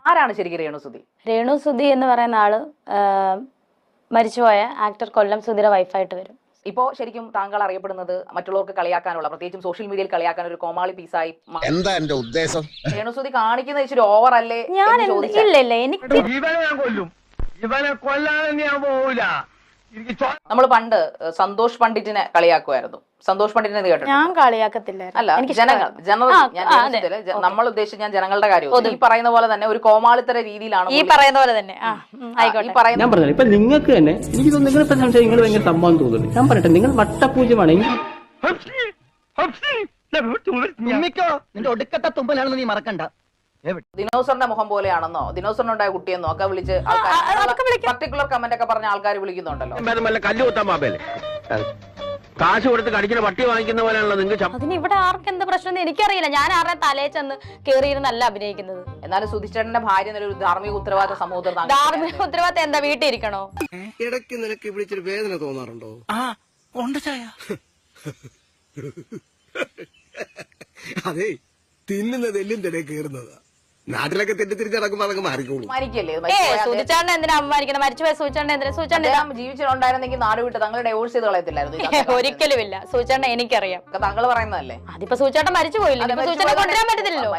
ആരാണ് ശരിക്കും രേണുസുതി? രേണുസുതി എന്ന് പറയുന്ന ആള് മരിച്ചുപോയ ആക്ടർ കൊല്ലം സുധിയുടെ വൈഫായിട്ട് വരും. ഇപ്പോ ശരിക്കും താങ്കൾ അറിയപ്പെടുന്നത് മറ്റുള്ളവർക്ക് കളിയാക്കാനുള്ള, പ്രത്യേകിച്ചും സോഷ്യൽ മീഡിയയിൽ കളിയാക്കാൻ ഒരു കോമാളി പീസായി. എന്താ എന്റെ ഉദ്ദേശം? രേണുസുതി കാണിക്കുന്ന ഇച്ചിരി ഓവർ അല്ലേ? ഇല്ല എനിക്ക് നമ്മൾ പണ്ട് സന്തോഷ് പണ്ഡിറ്റിനെ കളിയാക്കുമായിരുന്നു. സന്തോഷ് പണ്ഡിറ്റിനെ കേട്ടോ? ഞാൻ കളിയാക്കത്തില്ല. അല്ല, നമ്മൾ ഉദ്ദേശിച്ച ഞാൻ ജനങ്ങളുടെ കാര്യം ഈ പറയുന്ന പോലെ തന്നെ ഒരു കോമാളിത്തര രീതിയിലാണ് ഈ പറയുന്ന പോലെ തന്നെ. ഞാൻ പറഞ്ഞു ഇപ്പൊ നിങ്ങൾക്ക് തന്നെ എനിക്ക് നിങ്ങളെ സംശയം നിങ്ങൾ ഭയങ്കര സംഭവം തോന്നുന്നു. ഞാൻ പറയട്ടെ, നിങ്ങൾ വട്ടപൂജ്യമാണ്. നിന്റെ ഒടുക്കത്തെ തുമ്പലാണെന്ന് നീ മറക്കണ്ട. ദിനോസറിന്റെ മുഖം പോലെയാണെന്നോ ദിനോസറിനുണ്ടായ കുട്ടിയെന്നോ ഒക്കെ വിളിച്ച് പർട്ടിക്കുലർ കമന്റ് ഒക്കെ പറഞ്ഞ ആൾക്കാർ വിളിക്കുന്നുണ്ടല്ലോ. കാശ് കൊടുത്ത് കടിക്കുന്ന പട്ടി വാങ്ങിക്കുന്ന പോലെയാണല്ലോ നിങ്ങൾക്ക്. അതിന് ഇവിടെ ആർക്ക് എന്ത് പ്രശ്നം എനിക്കറിയില്ല. ഞാൻ ആരുടെ തലയെ ചെന്ന് കേറിയിരുന്നല്ല അഭിനയിക്കുന്നത്. എന്നാലും സുധിച്ചേട്ടന്റെ ഭാര്യ എന്നൊരു ധാർമ്മിക ഉത്തരവാദിത്ത സമൂഹത്തിൽ ധാർമ്മിക ഉത്തരവാദിത്തം എന്താ വീട്ടിൽ ഇരിക്കണോ? ഇടയ്ക്ക് നിനക്ക് വിളിച്ചൊരു വേദന തോന്നാറുണ്ടോ? അതെ, തിന്നുന്നത് എല്ലും തിരെ കയറുന്നതാ. നാട്ടിലൊക്കെ തെറ്റിത്തിരിച്ച് നടക്കുമ്പോ അതൊക്കെ മാറിക്കോളൂ. സുധിച്ചേട്ടനെ എന്തിനാ അപമാനിക്കണം? മരിച്ചുപോയ സുധിച്ചേട്ടനെ എന്തിനാ? സുധിച്ചേട്ടൻ ജീവിച്ചിട്ടുണ്ടായിരുന്നെങ്കിൽ നാട് വിട്ട് താങ്കൾ ഡൈവോഴ്സ് ചെയ്ത് കളയത്തില്ലായിരുന്നു. ഒരിക്കലും ഇല്ല. സുധിച്ചേട്ടനെ എനിക്കറിയാം. താങ്കൾ പറയുന്നതല്ലേ? അതിപ്പോ സുധിച്ചേട്ടൻ മരിച്ചു പോയില്ല. സുധിച്ചേട്ടനെ കൊണ്ടുവരാൻ പറ്റത്തില്ലല്ലോ.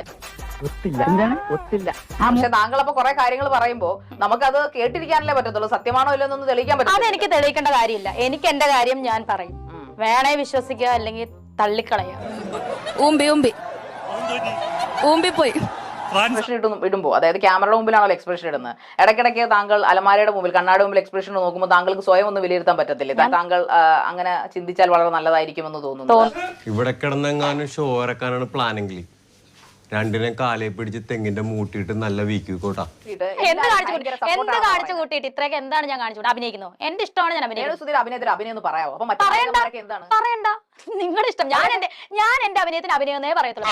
പക്ഷെ താങ്കൾ അപ്പൊ കുറെ കാര്യങ്ങൾ പറയുമ്പോ നമുക്കത് കേട്ടിരിക്കാനല്ലേ പറ്റത്തുള്ളൂ. സത്യമാണോ ഇല്ലെന്നൊന്നും തെളിയിക്കാൻ പറ്റും. അതെനിക്ക് തെളിയിക്കേണ്ട കാര്യമില്ല. എനിക്ക് എന്റെ കാര്യം ഞാൻ പറയും. വേണേ വിശ്വസിക്കുക, അല്ലെങ്കിൽ തള്ളിക്കളയുക. പോയി എക്സ്പ്രഷൻ ഇടുമ്പോ, അതായത് ക്യാമറയുടെ മുമ്പിലാണല്ലോ എക്സ്പ്രഷൻ ഇടുന്നത്. ഇടയ്ക്കിടയ്ക്ക് താങ്കൾ അലമാരയുടെ മുമ്പിൽ, കണ്ണാടി മുമ്പിൽ എക്സ്പ്രഷൻ നോക്കുമ്പോൾ താങ്കൾക്ക് സ്വയം ഒന്ന് വിലയിരുത്താൻ പറ്റത്തില്ലേ? താങ്കൾ അങ്ങനെ ചിന്തിച്ചാൽ വളരെ നല്ലതായിരിക്കുമെന്ന് തോന്നുന്നു. ഇവിടെ കിടന്നെങ്ങാനും ഷോ ഇറക്കാനാണ് പ്ലാനെങ്കിൽ രണ്ടിനെ കാലേ പിടിച്ച് തെങ്ങിന്റെ മൂട്ടിയിട്ട് നല്ല വീക്ക് കോട്ടാ. എന്ത് കാണിച്ചു കൂട്ടിയിട്ട് ഇത്രയൊക്കെ എന്താണ് ഞാൻ കാണിച്ചു അഭിനയിക്കുന്നു? എന്റെ ഇഷ്ടമാണ് ഞാൻ അഭിനയിക്കുന്നത്. അഭിനയത്തിന് അഭിനയം ഒന്ന് പറയാമോ? അപ്പൊ എന്താണ് പറയണ്ട, നിങ്ങളുടെ ഇഷ്ടം. ഞാൻ എന്റെ അഭിനയത്തിന് അഭിനയെന്നേ പറയത്തുള്ളൂ.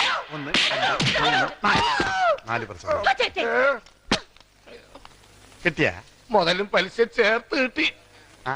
കിട്ടിയ മുതലും പലിശ ചേർത്ത് കിട്ടി.